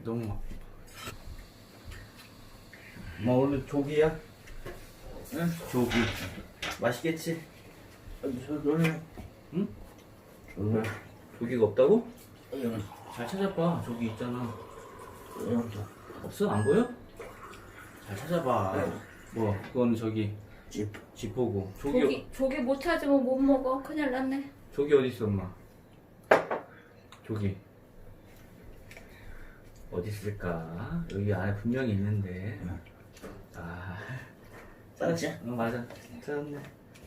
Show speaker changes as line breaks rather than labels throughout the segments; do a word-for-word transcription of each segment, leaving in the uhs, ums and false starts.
너무 엄마 오늘 조기야? 응? 조기 맛있겠지?
저는
응?
저는
조기가 없다고?
응.
잘 찾아봐. 조기 있잖아.
응.
없어? 안 보여? 잘 찾아봐.
응.
뭐 그거는 저기
집
지포고. 조기
조기, 조기 못 찾으면 못 먹어. 큰일 났네.
조기 어디 있어 엄마? 조기 어디 있을까? 여기 안에 분명히 있는데.
응.
아
맞지?
응 맞아. 찾았네.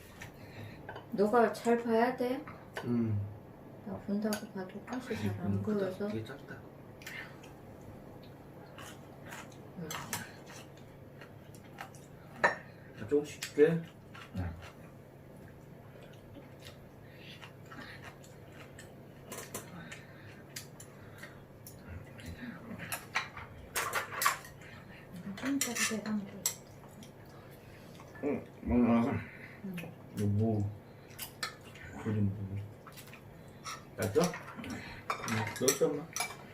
너가 잘 봐야 돼.
음.
나 본다고 봐도 가시 잘 안
음, 크다.
보여서.
되게 작다. 자, 조금씩 줄게.
응.
진짜 대박.
응. 먹어.
이거 뭐? 그림 뭐? 맞죠? 응, 넣었어 엄마.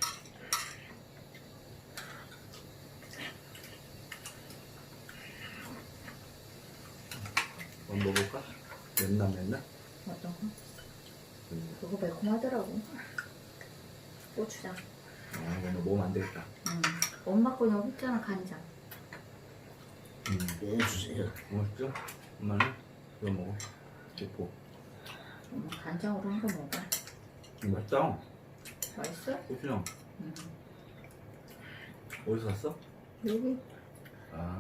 한번 먹어볼까? 맵나 맵나?
어떤 거? 그거 매콤하더라고. 고추장.
아 이거 먹으면 안 되겠다.
응. 엄마 거 여기 있잖아, 간장.
음.
예, 주세요.
맛있죠? 엄마는 이거 먹어. 이거
엄마 간장으로 한 거 먹어.
음, 맛있다.
맛있어?
고추장
응.
어디서 샀어?
여기.
아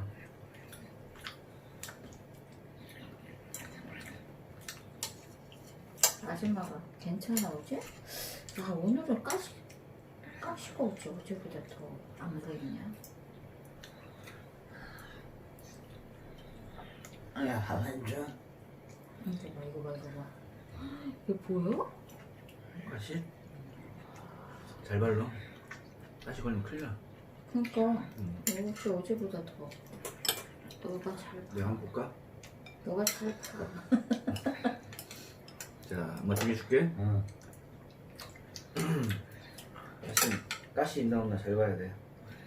아줌마가 괜찮아, 어제? 야, 오늘은 가시, 가시가 어째 어제보다 더 안 보이냐?
야, 밥한 줘.
이거 봐, 이거 봐, 이거 봐. 이거 보여?
가시? 잘 발라. 가시 걸리면 큰일 나.
그니까,
음.
역시 어제보다 더. 너가 잘 봐.
내가 한번 볼까?
너가 잘 봐.
자, 엄마 준비해줄게.
응.
가시, 가시 있나 없나 잘 봐야 돼.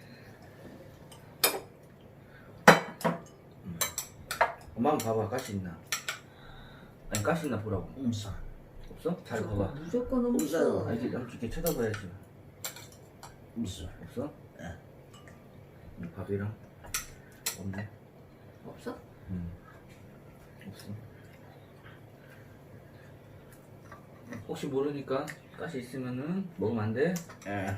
음. 엄마 한번 봐봐. 가시 있나? 아니 가시 있나 보라고.
없어.
없어? 잘 봐봐.
무조건
없어요.
없어.
아, 이렇게 이렇게 쳐다봐야지.
없어.
없어?
네.
음, 밥이랑 없네.
없어?
음. 없어. 혹시 모르니까 가시 있으면은 먹으면 안 돼.
예.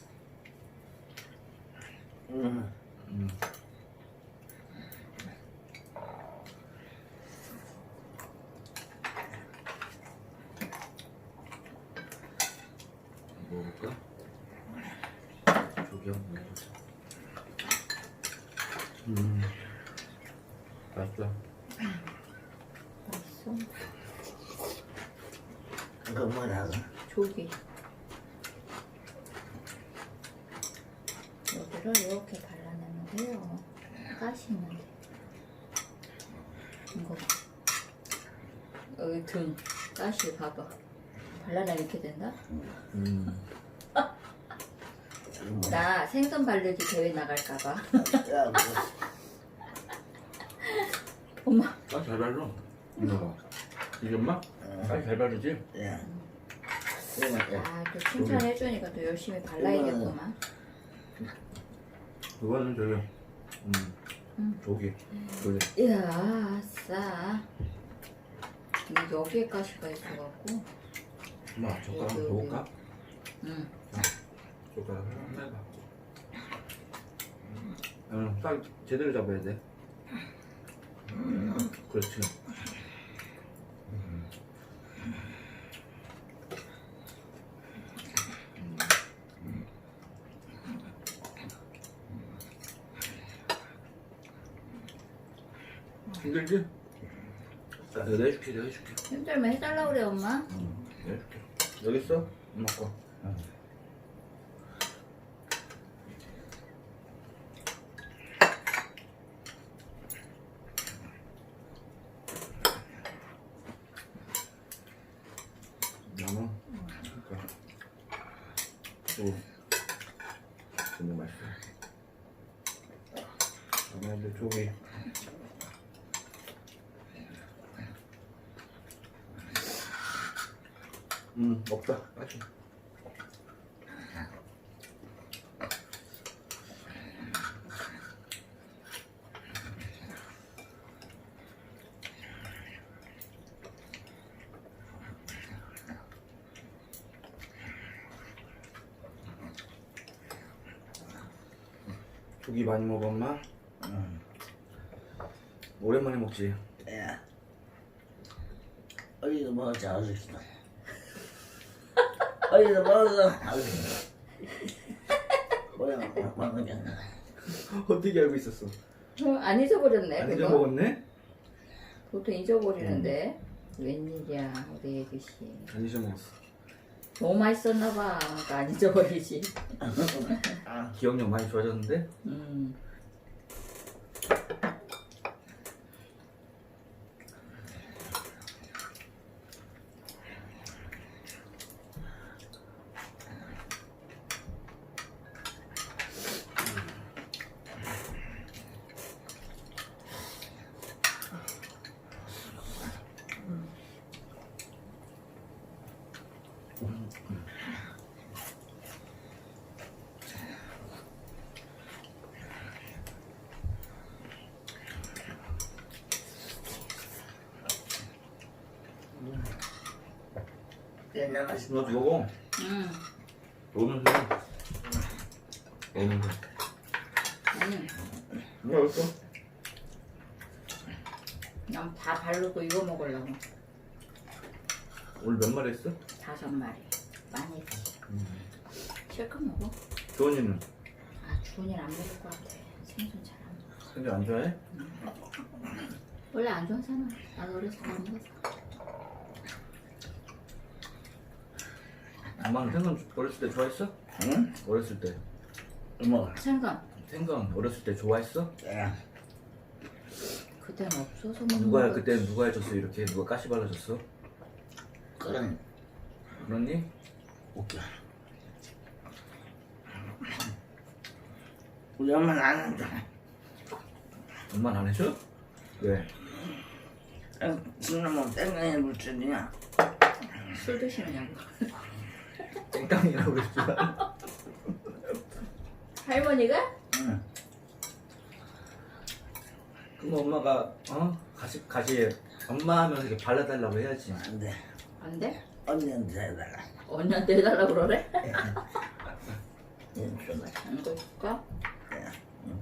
응.
음. 먹어볼까? 조기 한번 먹어보자. 음, 맛있다.
맛있어.
그거 뭐라고?
조기. 여기를 이렇게 발라내면 돼요. 가시 있는데. 이거 봐. 여기 등, 가시 봐봐. 발라내 이렇게 된다?
음,
나 생선 바르기 대회 나갈까봐.
야, 뭐.
엄마.
아, 잘 발라. 이거 봐. 이게 엄마? 아, 잘 바르지?
야.
아, 또 칭찬해주니까 또 열심히 발라야겠구만.
이거는 저기, 음,
응.
조기. 조기.
이야, 아싸. 근데 여기에 가시가 있어갖고.
엄마, 젓가락
여기,
한번
여기.
줘볼까?
응.
젓가락 한번 해봐. 응, 딱 제대로 잡아야 돼. 그렇지. 힘들지? 자, 내가 해줄게, 내가 해줄게.
힘들면 해달라 그래, 엄마.
응, 내가 해줄게. 여기 있어? 엄마 거.
응.
나무. 그러니까. 또. 그러면. 근데 저기 음 없다. 아직. 고기 많이 먹어 엄마?
응.
오랜만에 먹지.
야. 어디서 먹었자 어디서. 어디서 먹었어? 어디서. 뭐야 먹었잖아.
어떻게 알고 있었어?
어, 안 잊어버렸네.
안
그거.
잊어먹었네?
보통 잊어버리는데. 웬일이야, 우리 애기씨.
안 잊어먹었어.
너무 맛있었나봐. 그러니까 안 잊어버리지.
아,
기억력 많이 좋아졌는데?
음.
옛날 맛이
너도 먹어.
음.
먹으면서 해. 먹으면서.
음.
뭐가 없어?
그냥 다 바르고 이거 먹으려고.
오늘 몇 마리 했어?
다섯 마리. 많이 했지. 실컷 먹어.
조원이는
아, 주은이는 안 먹을 것 같아. 생선 잘 안 먹어.
생선 안 좋아해?
원래 안 좋아하잖아. 나도 어렸을 때 안 먹었어.
엄마는 생선 어렸을 때 좋아했어?
응?
어렸을 때.
뭐?
생선.
생선 어렸을 때 좋아했어?
야.
그때는 없어서 먹는
누가
거지.
그때 누가 해줬어 이렇게? 누가 가시 발라줬어?
그런
그러니?
웃겨. 우리 엄마는 안 한다.
엄마는 안 해줘? 왜?
지금은 땡땡이 물줄이냐?
술 드시느냐고.
땡깡이라고 그랬지만
할머니가?
응.
그럼 엄마가 어? 가시 가시에 엄마 하면서 이렇게 발라달라고 해야지.
안 돼.
안 돼?
언니한테 해달라.
언니한테 해달라고 그러래?
얘는 좀
이거 줄까?
야. 응.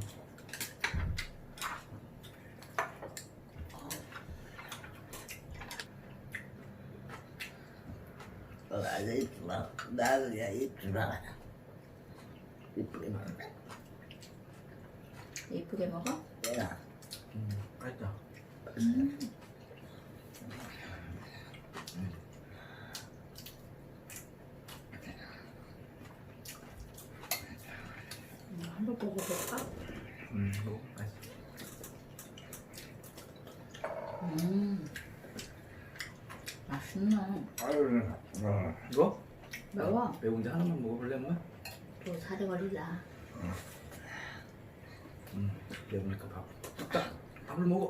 어, 아주 이쁘다. 나도 야 이쁘다. 이쁘게 먹어.
이쁘게 먹어?
야.
음, 맛있다.
음. 음, 한번 먹어볼까?
음, 이거 맛있어.
음. 맛있네.
아유, 어.
이거?
매워.
매운데 하나만 먹어볼래 뭐?
또 살이 걸리라.
음, 매우니까 밥. 뚝딱 밥을 먹어.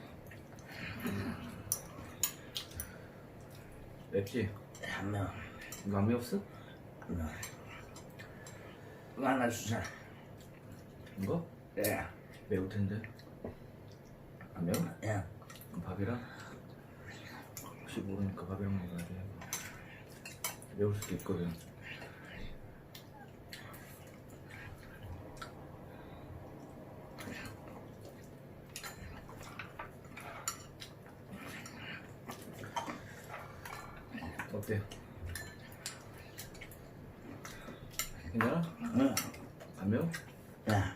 맵지?
한 명.
이거 안 매웠어?
한 명. 이거 하나 주자.
이거?
야.
매울 텐데. 안 매워?
야.
그럼 밥이랑? 혹시 모르니까 밥이랑 먹어야 돼. 매울 수도 있거든. 어때? 괜찮아?
응.
안 매워?
야.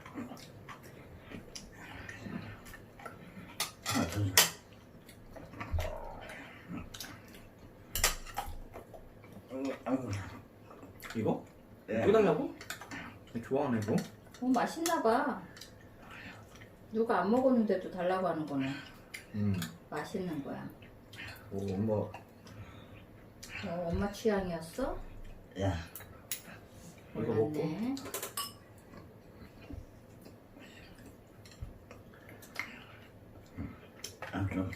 하나 더 줘.
이거?
예.
또 달라고? 좋아하네 이거?
어, 맛있나봐. 누가 안 먹었는데도 달라고 하는 거네.
음.
맛있는 거야.
오 엄마
어, 엄마 취향이었어?
야.
이거 먹고
몰랐네.
응.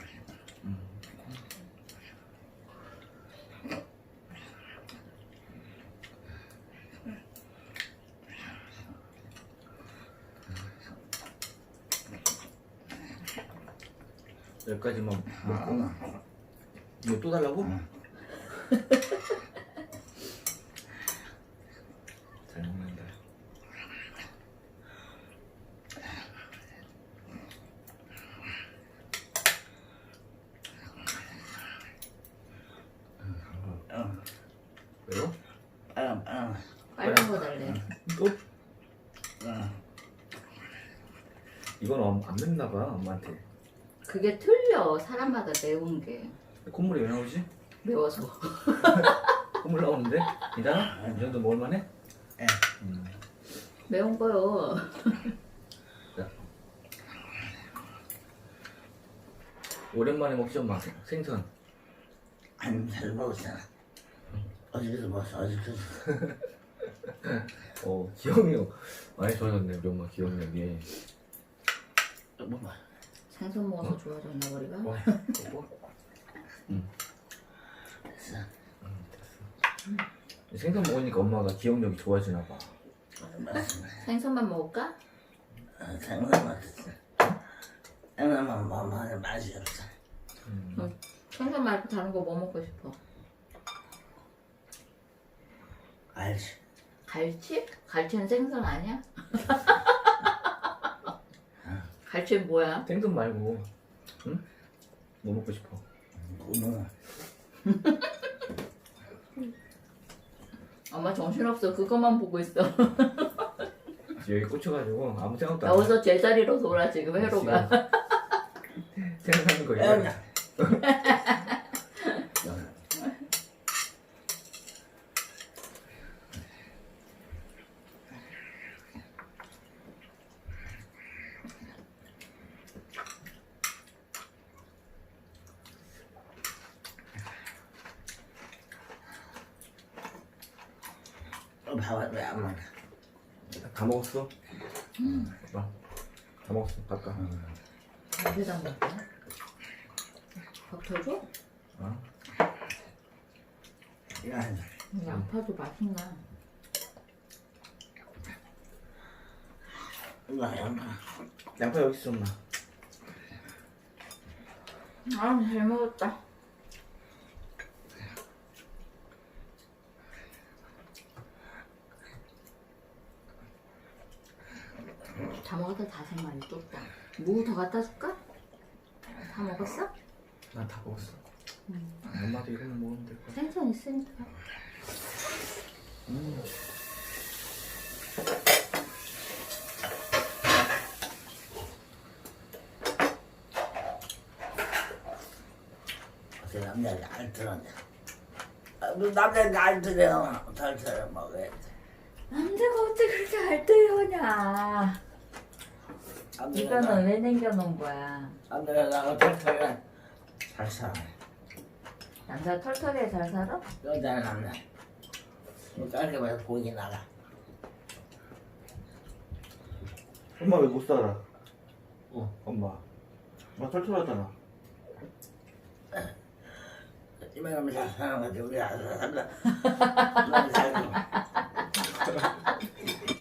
여기까지만 먹고 이거 또 달라고? 잘 먹는다.
응.
왜요?
빨강, 빨강.
빨간 거 달래.
또?
응.
이건 엄- 안 맵나 봐 엄마한테.
그게 틀려. 사람마다 매운 게.
콧물이 왜 나오지?
매워서.
콧물 나오는데? 괜찮아? 이 정도 먹을만해?
예.
음.
매운 거요.
자. 오랜만에 먹지 엄마 생선.
안 잘 먹었잖아. 어저께도 먹었어, 어저께도.
어 기억력 많이 좋아졌네 우리 엄마 기억력이.
뭐 봐.
생선 먹어서 좋아졌나 머리가?
와 여보. 응.
됐어.
응 됐어. 생선 먹으니까 엄마가 기억력이 좋아지나 봐.
맞습니다.
생선만 먹을까?
어, 생선 맛있어. 생선만 먹으면 맛이 없어.
음.
응. 생선 말고 다른 거 뭐 먹고 싶어?
알지.
갈치? 갈치는 생선 아니야? 갈치는 뭐야?
생선 말고 응? 뭐 먹고 싶어?
고등어.
엄마 정신없어. 그것만 보고 있어.
여기 꽂혀가지고 아무 생각도 안 해.
여기서 제자리로 돌아 지금 회로가.
생각하는 거
야,
이거.
야. 어, 밥을 왜안 먹어?
다 먹었어? 응. 봐. 다 먹었어. 바꿔.
밥에다 먹어? 밥 더 줘?
어?
야,
양파도 맛있나?
이거 양파.
양파 여기 있어 엄마.
아, 잘 먹었다. 다 먹었다. 다섯 마리 뚝딱. 무 더 갖다 줄까? 다 먹었어?
난 다 먹었어.
음.
엄마도 이거만 먹으면 될 거야.
생선 있으니까.
음.
어떻게 남자가 알 들었냐? 아, 너 남자가 알 들어. 잘 들어 먹어야 돼.
남자가 어떻게 그렇게 알뜰하냐?
남자가
이거는 왜 남겨놓은 거야?
남자가 나가 털털해. 잘 살아.
남자 털털해 잘 살아?
여자는 남자. 깔끔해서 보이게 나가.
엄마 왜 못 살아? 어 엄마. 엄마 털털하잖아.
이만하면 잘 사는 거지. 우리 아들 살다. 너무 살고.